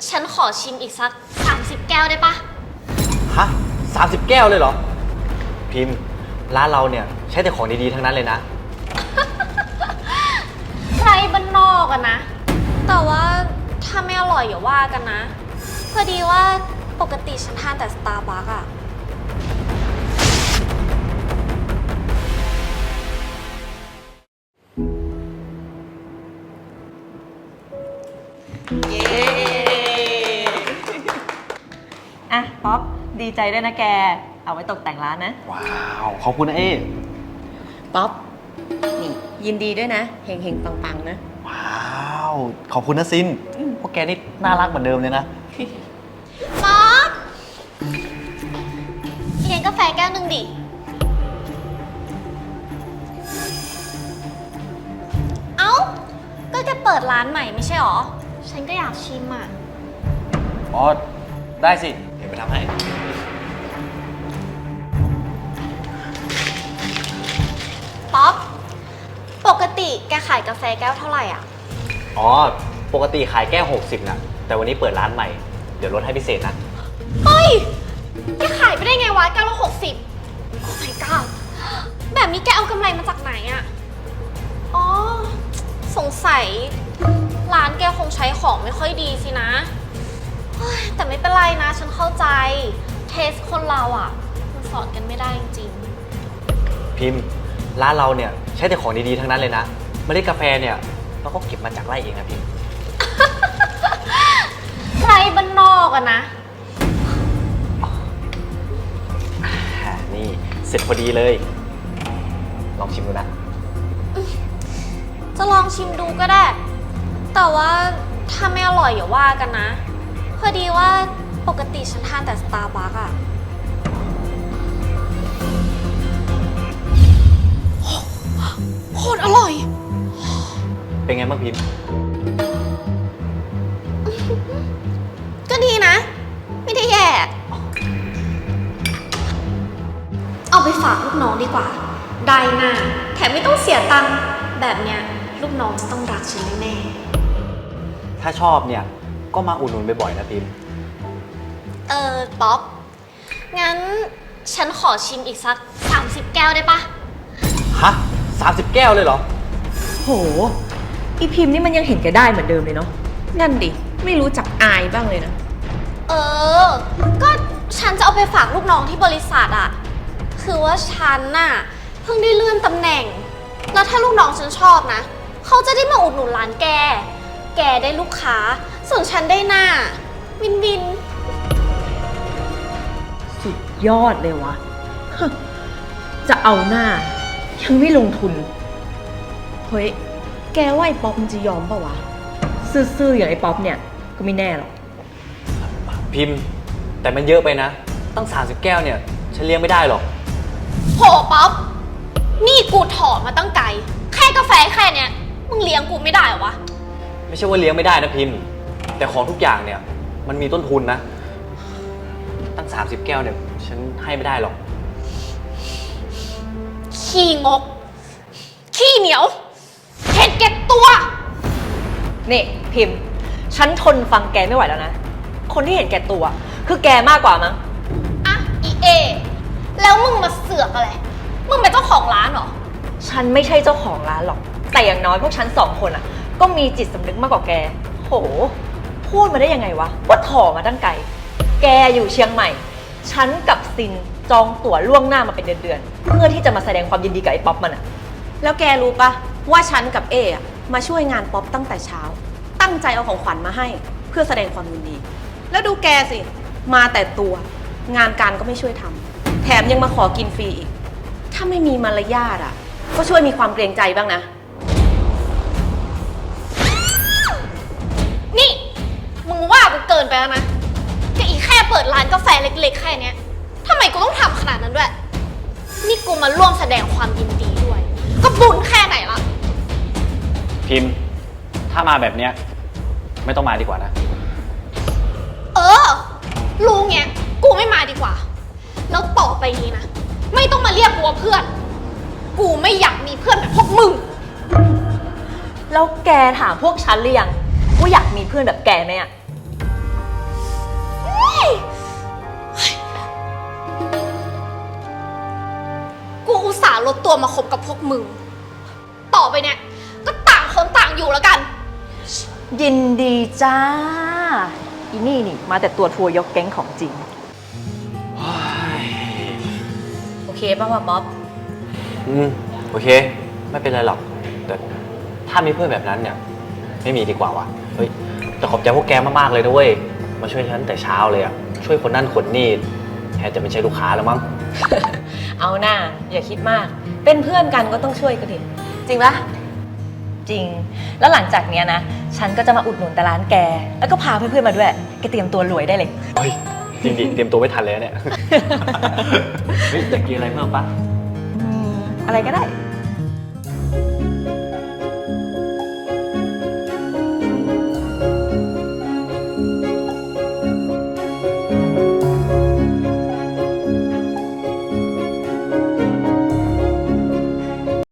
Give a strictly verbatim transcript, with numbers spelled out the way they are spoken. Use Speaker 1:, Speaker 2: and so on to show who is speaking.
Speaker 1: ฉันขอชิมอีกสักสามสิบแก้วได้ปะ
Speaker 2: ฮะสามสิบแก้วเลยเหรอพิมพ์ร้านเราเนี่ยใช้แต่ของดีๆทั้งนั้นเลยนะ
Speaker 1: ใครบ้านนอกอะนะแต่ว่าถ้าไม่อร่อยอย่าว่ากันนะพอดีว่าปกติฉันทานแต่สตาร์บัคอะ
Speaker 3: เย้อ่ะป๊อปดีใจด้วยนะแกเอาไว้ตกแต่งร้านนะ
Speaker 2: ว้าวขอบคุณนะเอ๊
Speaker 3: ป๊อปนี่ยินดีด้วยนะเฮงเฮงปังปังนะ
Speaker 2: ว้าวขอบคุณนะซินพวกแกนี่น่ารักเหมือนเดิมเลยนะ
Speaker 1: ป๊อปเลี้ยงกาแฟแก้วหนึ่งดิเอ้าก็แกเปิดร้านใหม่ไม่ใช่หรอฉันก็อยากชิมอ่ะ
Speaker 2: อ๋อได้สิเดี๋ยวไปทำให้
Speaker 1: ป๊อปปกติแกขายกาแฟแก้วเท่าไหร่อ่ะ
Speaker 2: อ๋อปกติขายแก้วหกสิบนะแต่วันนี้เปิดร้านใหม่เดี๋ยวลดให้พิเศษนะ
Speaker 1: เฮ้ยแกขายไปได้ไงวะแก้วละหกสิบโอ้ my god แบบนี้แกเอากำไรมาจากไหนอ่ะอ๋อสงสัยร้านแกคงใช้ของไม่ค่อยดีสินะแต่ไม่เป็นไรนะฉันเข้าใจเทสคนเราอ่ะมันสอนกันไม่ได้จริง
Speaker 2: ๆพิมพ์ร้านเราเนี่ยใช้แต่ของดีๆทั้งนั้นเลยนะเมล็ดกาแฟเนี่ยเราก็เก็บมาจากไร่เองนะพิมพ์
Speaker 1: ใครบ้านนอกอะนะ
Speaker 2: นี่เสร็จพอดีเลย ลองชิมดูนะ
Speaker 1: จะลองชิมดูก็ได้แต่ว่าถ้าไม่อร่อยอย่าว่ากันนะพอดีว่าปกติฉันทานแต่สตาร์บัคอะโคตรอร่อย
Speaker 2: เป็นไงบ้างพิมพ์
Speaker 1: ก็ดีนะไม่ได้แย่เอาไปฝากลูกน้องดีกว่าได้น่ะแถมไม่ต้องเสียตังค์แบบเนี้ยลูกน้องจะต้องรักฉันแน่
Speaker 2: ถ้าชอบเนี่ยก็มาอุดหนุนบ่อยๆนะพิมพ์
Speaker 1: เออป๊อปงั้นฉันขอชิมอีกสักสามสิบแก้วได้ปะ
Speaker 2: ฮะสามสิบแก้วเลยเหรอ
Speaker 3: โหอีพิมพ์นี่มันยังเห็นแกได้เหมือนเดิมเลยเนาะนั่นดิไม่รู้จักอายบ้างเลยนะ
Speaker 1: เออก็ฉันจะเอาไปฝากลูกน้องที่บริษัทอะคือว่าฉันน่ะเพิ่งได้เลื่อนตำแหน่งแล้วถ้าลูกน้องฉันชอบนะเขาจะได้มาอุดหนุนร้านแกแกได้ลูกค้าส่วนฉันได้หน้าวินวิน
Speaker 3: สุดยอดเลยวะจะเอาหน้ายังไม่ลงทุนเฮ้ยแกว่าไอ้ป๊อปมันจะยอมป่าวะซื่อๆอย่างไอ้ป๊อปเนี่ยก็ไม่แน่หรอก
Speaker 2: พิมพ์แต่มันเยอะไปนะตั้งสามสิบแก้วเนี่ยฉันเลี้ยงไม่ได้หรอก
Speaker 1: โหป๊อปนี่กูถอดมาตั้งไกลแค่กาแฟแค่เนี้ยมึงเลี้ยงกูไม่ได้เหรอวะ
Speaker 2: ไม่ใช่ว่าเลี้ยงไม่ได้นะพิมพ์แต่ของทุกอย่างเนี่ยมันมีต้นทุนนะตั้งสามสิบแก้วเนี่ยฉันให้ไม่ได้หรอก
Speaker 1: ขี้งกขี้เหนียวเห็นแก่ตัว
Speaker 3: นี่พิมพ์ฉันทนฟังแกไม่ไหวแล้วนะคนที่เห็นแก่ตัวคือแกมากกว่ามั้ง
Speaker 1: อ่ะอีเอแล้วมึงมาเสือกอะไรมึงเป็นเจ้าของร้านเหรอ
Speaker 3: ฉันไม่ใช่เจ้าของร้านหรอกแต่อย่างน้อยพวกฉันสองคนอ่ะก็มีจิตสำนึกมากกว่าแกโหพูดมาได้ยังไงวะว่าถอมาตั้งไกลแกอยู่เชียงใหม่ฉันกับซินจองตั๋วล่วงหน้ามาเป็นเดือนๆเพื่อที่จะมาแสดงความยินดีกับไอ้ป๊อปมันอ่ะแล้วแกรู้ปะว่าฉันกับเออะมาช่วยงานป๊อปตั้งแต่เช้าตั้งใจเอาของขวัญมาให้เพื่อแสดงความยินดีแล้วดูแกสิมาแต่ตัวงานการก็ไม่ช่วยทำแถมยังมาขอกินฟรีอีกถ้าไม่มีมารยาทอ่ะก็ช่วยมีความเกรงใจบ้างนะ
Speaker 1: นี่มึงว่ากูเกินไปแล้วนะก็อีแค่เปิดร้านกาแฟเล็กๆแค่เนี้ยทำไมกูต้องทำขนาดนั้นด้วยนี่กูมาร่วมแสดงความยินดีด้วยก็บุญแค่ไหนล่ะ
Speaker 2: พิมพ์ถ้ามาแบบเนี้ยไม่ต้องมาดีกว่านะ
Speaker 1: เออรู้เงี้ยกูไม่มาดีกว่าแล้วต่อไปนี้นะไม่ต้องมาเรียกกูว่าเพื่อนกูไม่อยากมีเพื่อนแบบพวกมึง
Speaker 3: แล้วแกถามพวกฉันหรือยังว่าอยากมีเพื่อนแบบแกไหมอะ
Speaker 1: ลดตัวมาคบกับพวกมึง ต่อไปเนี่ย ก็ต่างคนต่างอยู่แล้วกัน
Speaker 3: ยินดีจ้า อีนี่นี่มาแต่ตัวทัวร์ยกแก๊งของจริง โอเคป่ะวะบ๊อบ
Speaker 2: อืม โอเค ไม่เป็นไรหรอก แต่ถ้ามีเพื่อนแบบนั้นเนี่ย ไม่มีดีกว่าวะเฮ้ย แต่ขอบใจพวกแกมากๆเลยนะเว้ย มาช่วยฉันแต่เช้าเลยอะช่วยคนนั่นคนนี่แทนจะไม่ใช่ลูกค้าแล้วมั้ง
Speaker 3: เอาหน้าอย่าคิดมาก เป็นเพื่อนกันก็ต้องช่วยกันดิ จริงปะจริง แล้วหลังจากเนี้ยนะ ฉันก็จะมาอุดหนุนแต่ร้านแก แล้วก็พาเพื่อนๆมาด้วย แกเตรียมตัวรวยได้เลย
Speaker 2: เฮ้ย จริงดิ เตรียมตัวไม่ทันเลยเนี่ย เฮ้ยอยากกินอะไรเพิ่มปะ
Speaker 3: อืมอะไรก็ได้